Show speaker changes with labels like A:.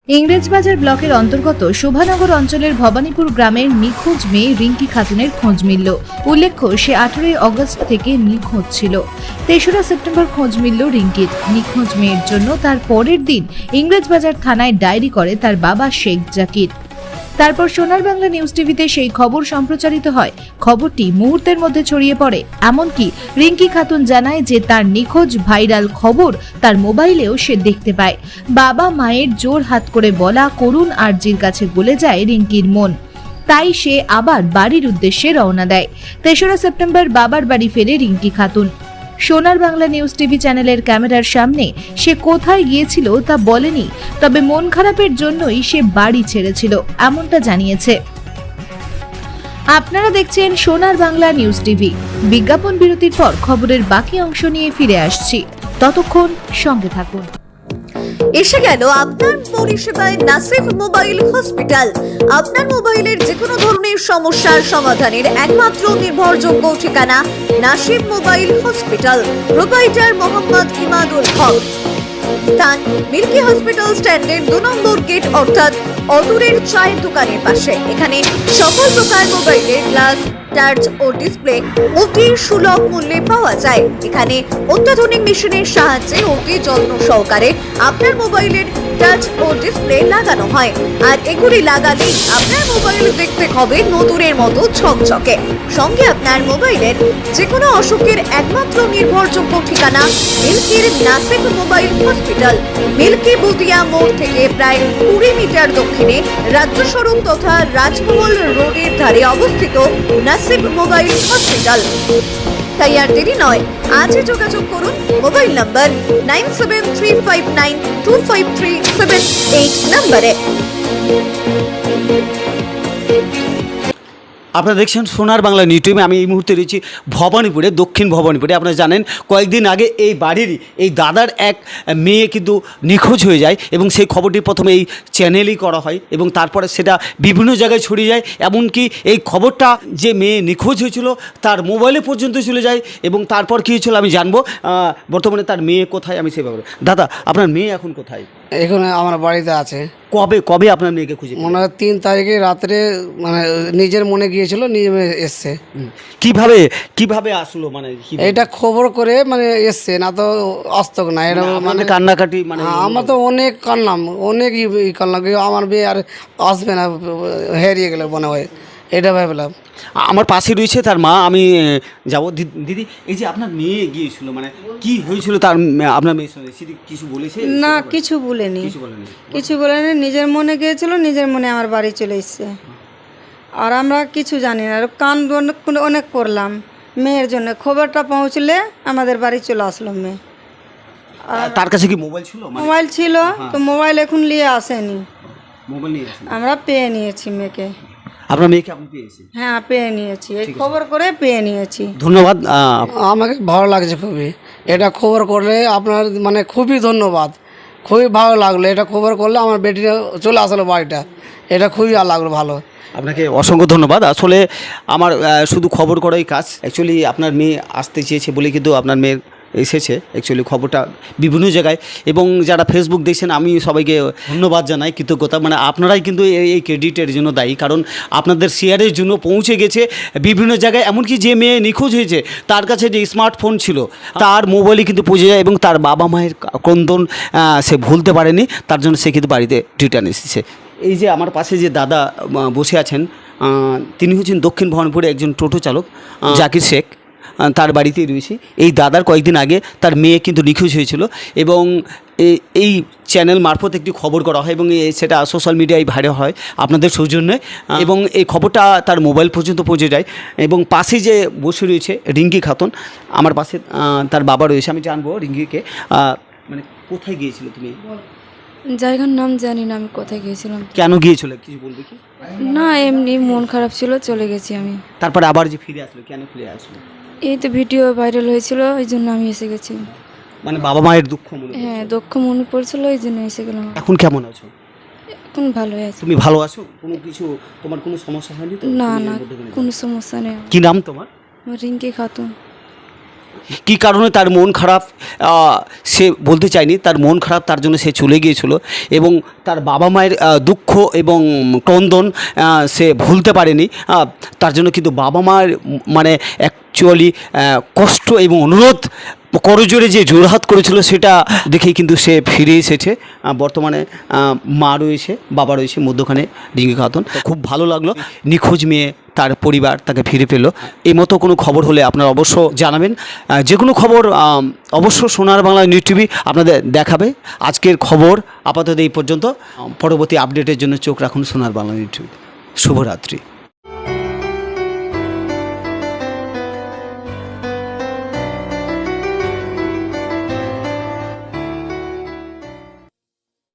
A: ইংরেজবাজার ব্লকের অন্তর্গত শোভানগর অঞ্চলের ভবানীপুর গ্রামের নিখোঁজ মেয়ে রিঙ্কি খাতুনের খোঁজ মিলল। উল্লেখ্য, সে 18 অগস্ট থেকে নিখোঁজ ছিল। 3রা সেপ্টেম্বর খোঁজ মিলল রিঙ্কির। নিখোঁজ মেয়ের জন্য তার পরের দিন ইংরেজবাজার থানায় ডায়েরি করে তার বাবা শেখ জাকির। তারপর সোনার বাংলা নিউজ টিভিতে সেই খবর সম্প্রচারিত হয়। খবরটি মুহূর্তের মধ্যে ছড়িয়ে পড়ে। এমনকি রিঙ্কি খাতুন জানায় যে তার নিখোঁজ ভাইরাল খবর তার মোবাইলেও সে দেখতে পায়। বাবা মায়ের জোর হাত করে বলা করুণ আর্জির কাছে গলে যায় রিঙ্কির মন। তাই সে আবার বাড়ির উদ্দেশ্যে রওনা দেয়। 3রা সেপ্টেম্বর বাবার বাড়ি ফেরে রিঙ্কি খাতুন। সোনার বাংলা নিউজ টিভি চ্যানেলের ক্যামেরার সামনে সে কোথায় গিয়েছিল তা বলেনি, তবে মন খারাপের জন্যই সে বাড়ি ছেড়েছিল, এমনটা জানিয়েছে। আপনারা দেখছেন সোনার বাংলা নিউজ টিভি। বিজ্ঞাপন বিরতির পর খবরের বাকি অংশ নিয়ে ফিরে আসছি, ততক্ষণ সঙ্গে থাকুন।
B: এসে গেল আপনার পরিষেবায় নাসিফ মোবাইল হসপিটাল। আপনার মোবাইলের যে কোনো ধরনের সমস্যার সমাধানের একমাত্র নির্ভরযোগ্য ঠিকানা Nasif mobile hospital. Proprietor Mohammad Imadul Haque. স্থান মিল্কি হসপিটাল স্ট্যান্ডের 2 নম্বর গেট, অর্থাৎ অদূরের চায়ের দোকানের পাশে। এখানে সকল প্রকার মোবাইলের গ্লাস, টাচ ও ডিসপ্লে অতি সুলভ মূল্যে পাওয়া যায়। এখানে অত্যাধুনিক মেশিনের সাহায্যে অতি যত্ন সহকারে আপনার মোবাইলের টাচ ও ডিসপ্লে লাগানো হয়। আর এগুলি লাগালেই আপনার মোবাইল দেখতে হবে নতুনের মতো ঝকঝকে। সঙ্গে আপনার মোবাইলের যে কোনো অসুখের একমাত্র নির্ভরযোগ্য ঠিকানা মিল্কির নাসিফ মোবাইল হসপিটাল। মিল্কি বুদিয়া মোড় থেকে প্রায় 20 মিটার দক্ষিণে রাজ্য সড়ক তথা রাজমহল রোডের ধারে অবস্থিত নাসিফ মোবাইল হসপিটাল। তাই আর দেরি নয়, আজই যোগাযোগ করুন মোবাইল নাম্বার 9735925378 নম্বরে।
C: আপনারা দেখছেন সোনার বাংলা নিউজ টিভি। আমি এই মুহূর্তে রয়েছি ভবানীপুরে, দক্ষিণ ভবানীপুরে। আপনারা জানেন কয়েকদিন আগে এই বাড়িরই এই দাদার এক মেয়ে কিন্তু নিখোঁজ হয়ে যায় এবং সেই খবরটি প্রথমে এই চ্যানেলই করা হয় এবং তারপরে সেটা বিভিন্ন জায়গায় ছড়িয়ে যায়। এমনকি এই খবরটা যে মেয়ে নিখোঁজ হয়েছিল তার মোবাইলে পর্যন্ত চলে যায় এবং তারপর কী হয়েছিল আমি জানবো। বর্তমানে তার মেয়ে কোথায় আমি সেভাবে। দাদা, আপনার মেয়ে এখন কোথায়?
D: এখানে আমার বাড়িতে আছে।
C: কবে আপনার মেয়েকে খুঁজে?
D: মনে হয় 3 তারিখে রাত্রে, মানে নিজের মনে গিয়েছিল, নিজে এসছে।
C: কিভাবে আসলো, মানে
D: এটা খবর করে মানে এসছে, না তো আসতো না। এটা মানে
C: কান্নাকাটি, মানে
D: আমরা তো অনেক কান্নাম, অনেক কান্নাম, আমার বিয়ে আর আসবে না, হারিয়ে গেল মনে হয়, এটা ভাবলাম।
C: আমার পাশে রয়েছে তার মা, আমি যাবো। দিদি, এই যে আপনার মেয়ে গিয়েছিল, মানে কি হয়েছিল তার আপনার মেয়ের সঙ্গে কিছু বলেছে?
E: না, কিছু বলেনি, কিছু বলেনি। নিজের মনে গিয়েছিল, নিজের মনে আমার বাড়ি চলে এসছে। আর আমরা কিছু জানি না, কান অনেক করলাম মেয়ের জন্য। খবরটা পৌঁছলে আমাদের বাড়ি চলে আসলো মেয়ে। আর
C: তার কাছে কি মোবাইল ছিল?
E: মোবাইল ছিল, তো মোবাইল এখন নিয়ে আসেনি।
C: মোবাইল নিয়ে
E: আমরা পেয়ে নিয়েছি মেয়েকে।
C: আপনার মেয়েকে আপনি পেয়েছেন?
E: হ্যাঁ, পেয়ে নিয়েছি, এই খবর করে পেয়ে নিয়েছি।
C: ধন্যবাদ।
D: আমাকে ভালো লাগছে খুবই, এটা খবর করলে আপনার মানে খুবই ধন্যবাদ, খুবই ভালো লাগলো। এটা খবর করলে আমার বেটিটা চলে আসলো বাড়িটা, এটা খুবই লাগলো ভালো।
C: আপনাকে অসংখ্য ধন্যবাদ। আসলে আমার শুধু খবর করাই কাজ। অ্যাকচুয়ালি আপনার মেয়ে আসতে চেয়েছে বলে কিন্তু আপনার মেয়ের এসেছে। অ্যাকচুয়ালি খবরটা বিভিন্ন জায়গায়, এবং যারা ফেসবুক দেখছেন আমি সবাইকে ধন্যবাদ জানাই, কৃতজ্ঞতা। মানে আপনারাই কিন্তু এই ক্রেডিটের জন্য দায়ী, কারণ আপনাদের শেয়ারের জন্য পৌঁছে গেছে বিভিন্ন জায়গায়। এমনকি যে মেয়ে নিখোঁজ হয়েছে তার কাছে যে স্মার্টফোন ছিল তার মোবাইলে কিন্তু পৌঁছে যায় এবং তার বাবা মায়ের ক্রন্দন সে ভুলতে পারেনি, তার জন্য সে কিন্তু বাড়িতে রিটার্ন এসেছে। এই যে আমার পাশে যে দাদা বসে আছেন, তিনি হচ্ছেন দক্ষিণ ভবানীপুরে একজন টোটো চালক, জাকির শেখ। তার বাড়িতেই রয়েছে। এই দাদার কয়েকদিন আগে তার মেয়ে কিন্তু নিখোঁজ হয়েছিল এবং এই চ্যানেল মারফত একটি খবর করা হয় এবং সেটা সোশ্যাল মিডিয়ায় ভাইরাল হয় আপনাদের সৌজন্যে, এবং এই খবরটা তার মোবাইল পর্যন্ত পৌঁছে যায়। এবং পাশে যে বসে রয়েছে রিঙ্কি খাতুন, আমার পাশে তার বাবা রয়েছে। আমি জানবো রিঙ্কিকে, মানে কোথায় গিয়েছিল তুমি?
F: জায়গার নাম জানি না, আমি কোথায় গিয়েছিলাম।
C: কেন গিয়েছিল কিছু বলবে কি?
F: না, এমনি মন খারাপ ছিল, চলে গেছি আমি।
C: তারপরে আবার যে ফিরে আসলো, কেন ফিরে আসলো?
F: এই তো ভিডিও ভাইরাল হয়েছিল, ওই জন্য আমি এসে গেছি।
C: মানে বাবা মায়ের দুঃখ মনে?
F: হ্যাঁ, দুঃখ মনে পড়ছিল, ওই জন্য এসে গেলাম।
C: এখন কেমন আছো?
F: এখন ভালোই আছি।
C: তুমি ভালো আছো? কোনো কিছু তোমার কোনো সমস্যা হয়নি তো?
F: না না, কোনো সমস্যা নেই।
C: কি নাম তোমার?
F: আমার রিঙ্কি খাতুন।
C: কী কারণে তার মন খারাপ সে বলতে চায়নি, তার মন খারাপ তার জন্য সে চলে গিয়েছিল এবং তার বাবা মায়ের দুঃখ এবং ক্রন্দন সে ভুলতে পারেনি। তার জন্য কিন্তু বাবা মায়ের মানে অ্যাকচুয়ালি কষ্ট এবং অনুরোধ করজোরে যে জোরহাত করেছিল সেটা দেখেই কিন্তু সে ফিরে এসেছে। বর্তমানে মা রয়েছে, বাবা রয়েছে, মধ্যখানে রিঙ্কি খাতুন। খুব ভালো লাগলো, নিখোঁজ মেয়ে তার পরিবার তাকে ফিরে পেল। এই মতো কোনো খবর হলে আপনারা অবশ্য জানাবেন। যে কোনো খবর অবশ্য সোনার বাংলা নিউজ টিভি আপনাদের দেখাবে। আজকের খবর আপাতত এই পর্যন্ত। পরবর্তী আপডেটের জন্য চোখ রাখুন সোনার বাংলা নিউজ টিভি। শুভরাত্রি।